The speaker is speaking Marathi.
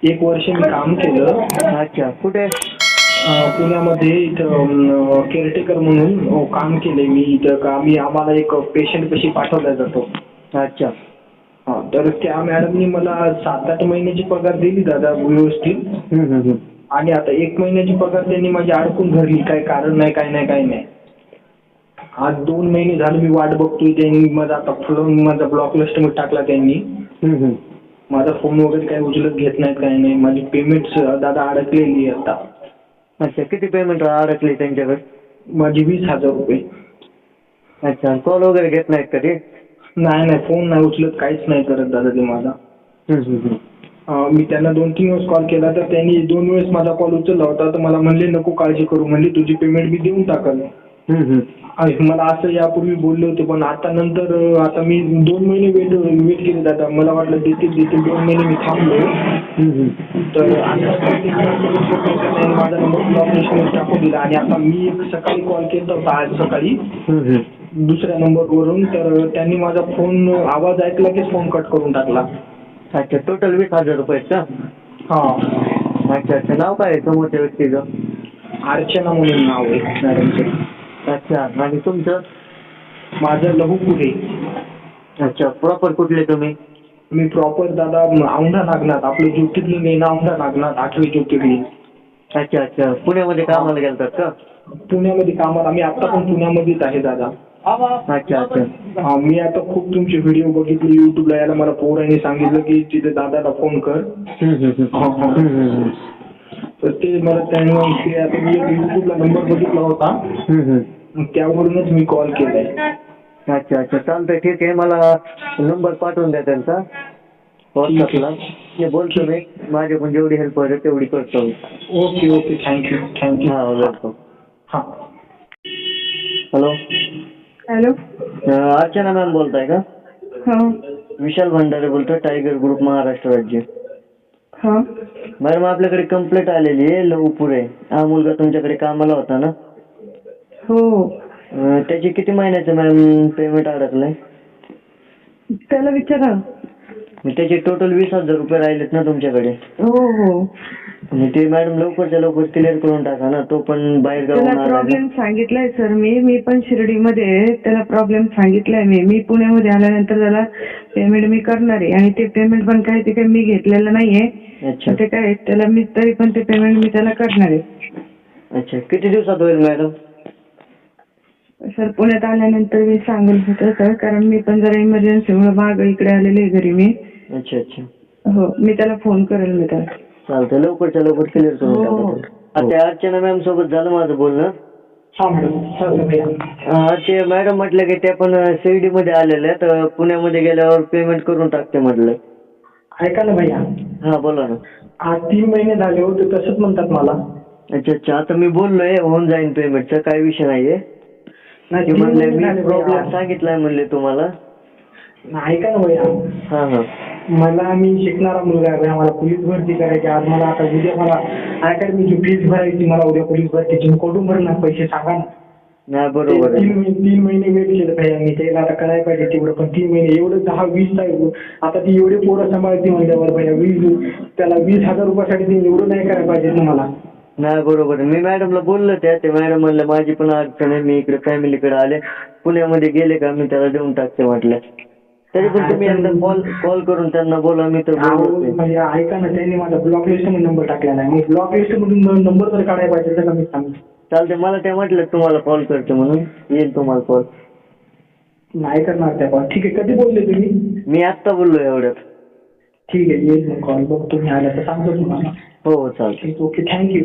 1 वर्ष मी काम केलं. अच्छा, कुठे? पुण्यामध्ये इथं केअरटेकर म्हणून काम केलंय मी इथं का आम्हाला एक पेशंट कशी पाठवला जातो. अच्छा. हा, तर त्या मॅडमनी मला 7-8 महिन्याची पगार दिली दादा व्यवस्थित. आणि आता 1 महिन्याची पगार त्यांनी माझी अडकून धरली. काय कारण नाही, काय नाही. आज 2 महिने झाले मी वाट बघतोय. त्यांनी माझा आता फोन माझा ब्लॉक लिस्टमध्ये टाकला त्यांनी. माझा फोन वगैरे काही उचलत घेत नाहीत, काही नाही. माझी पेमेंट दादा अडकलेली आहे आता. अच्छा, किती पेमेंट अडकली त्यांच्याकडे? माझी 20,000 रुपये. अच्छा, कॉल वगैरे घेत नाहीत का ते? नाही, फोन नाही उचलत, काहीच नाही करत दादा ते माझा. मी त्यांना 2-3 वेळेस कॉल केला तर त्यांनी 2 वेळेस माझा कॉल उचलला होता. तर मला म्हणले नको काळजी करू, म्हणले तुझी पेमेंट मी देऊन टाकल. मला असं यापूर्वी बोलले होते, पण आता मी 2 महिने वेट केले दादा. मला वाटलं देतील 2 महिने मी थांबलो. तर माझा नंबर ब्लॉक लिस्टमध्ये टाकून दिला. आणि आता मी सकाळी कॉल केला होता आज सकाळी दुसऱ्या नंबरवरून. तर त्यांनी माझा फोन आवाज ऐकला की फोन कट करून टाकला. अच्छा, टोटल 20,000 रुपये का? हा. अच्छा, नाव काय आहे समोरच्या व्यक्तीचं? अर्चना म्हणून नाव आहे मॅडमचं. अच्छा, आणि तुमचं? माझं लहू पुढे. अच्छा, प्रॉपर कुठले तुम्ही? मी प्रॉपर दादा औंढा नागनाथ, आपलं ज्योतिर्लिंग आहे ना औंढा नागनाथ, 8वे ज्योतिर्लिंग. अच्छा, पुण्यामध्ये कामाला गेलतात का? पुण्यामध्ये कामाला, मी आता पण पुण्यामध्येच आहे दादा. अच्छा. मी आता खूप तुमचे व्हिडिओ बघितले युट्यूबला. याला मला पोरांनी सांगितलं की तिथे दादाला फोन कर. तर ते मला त्यांनी आता मी युट्यूबला नंबर बघितला होता, त्यावरूनच मी कॉल केलाय. अच्छा, चालतंय, ठीक आहे. मला नंबर पाठवून द्या त्यांचा व्हॉट्सअपला. मी बोलतो, मी माझ्याकडून जेवढी हेल्प होईल तेवढी करतो. Okay, thank you. हां, वेलकम. हां. हॅलो. अर्चना मॅम बोलताय का? हां. विशाल भंडारे बोलतोय, टायगर ग्रुप महाराष्ट्र राज्य. हां. मॅडम, आपल्याकडे कंप्लेंट आलेली आहे. लवपुरे हा मुलगा तुमच्याकडे कामाला होता ना? हो. त्याची किती महिन्याचं मॅम पेमेंट अडकलंय? त्याला विचारा. त्याचे टोटल 20,000 रुपये राहिलेत ना तुमच्याकडे? हो. ते मॅडम लवकरच्या लवकर क्लिअर करून टाका ना. तो पण बाहेर त्याला गावून प्रॉब्लेम सांगितलाय सर. मी पण शिर्डीमध्ये त्याला प्रॉब्लेम सांगितलाय. मी पुण्यामध्ये आल्यानंतर त्याला पेमेंट मी करणार आहे. आणि ते पेमेंट पण काय ते मी घेतलेलं नाहीये. अच्छा. ते काय त्याला मी तरी पण ते पेमेंट मी त्याला करणार आहे. अच्छा, किती दिवसात होईल मॅडम? सर, पुण्यात आल्यानंतर मी सांगेल होतं सर, कारण मी पण जरा इमर्जन्सीमुळे मागं इकडे आलेले आहे घरी मी. अच्छा. हो, मी त्याला फोन करेल मी त्याला. चालतंय, लवकरच्या लवकर क्लिअर करून टाका. त्या अर्चना मॅम सोबत झालं माझं बोलणं. ते मॅडम म्हटलं की त्या पण शिर्डी मध्ये आलेल्या, तर पुण्यामध्ये गेल्यावर पेमेंट करून टाकते म्हटलं. ऐका ना भैया. हा, बोला ना. आज 3 महिने झाले होते, तसंच म्हणतात मला. अच्छा, आता मी बोललोय होऊन जाईन पेमेंटचा, काही विषय नाहीये. म्हणले मी प्रॉब्लेम सांगितलाय म्हणले तुम्हाला. ऐका ना भैया. मी शिकणारा मुलगा आहे भैया. मला पोलीस भरती करायची. आज मला आता उद्या मला अकॅडमीची फीस भरायची. मला उद्या पोलीस भरतीची. मी कुठून भरणार पैसे सांगा ना. नाही, बरोबर. 3 महिने वेट केलं भैया मी. त्याला आता करायला पाहिजे तेवढं, पण 3 महिने एवढं 10-20 आता ती एवढे पोरं सांभाळते म्हणल्यावर भैया त्याला 20,000 रुपयासाठी ते एवढं नाही करायला पाहिजे ना मला. नाही, बरोबर. मी मॅडमला बोललो ते मॅडम म्हणलं माझी पण अडचण आहे, मी इकडे फॅमिलीकडे आले, पुण्यामध्ये गेले का मी त्याला देऊन टाकते म्हटलं. तरी पण तुम्ही एकदा कॉल करून त्यांना बोला. मी तर ऐका ना, त्यांनी माझा ब्लॉक लिस्ट मध्ये नंबर टाकलेला आहे. मग ब्लॉक लिस्ट मधून नंबर तर काढायला पाहिजे का मी सांगतो. चालते, मला त्या म्हटलं तुम्हाला कॉल करते म्हणून येईल तुम्हाला कॉल. नाही करणार त्या कॉल. ठीक आहे, कधी बोलले तुम्ही? मी आत्ता बोललो एवढ्यात. ठीक आहे, येईल मग कॉल. बघ तुम्ही आला तर सांगतो तुम्हाला. हो, चालते. Okay, thank you.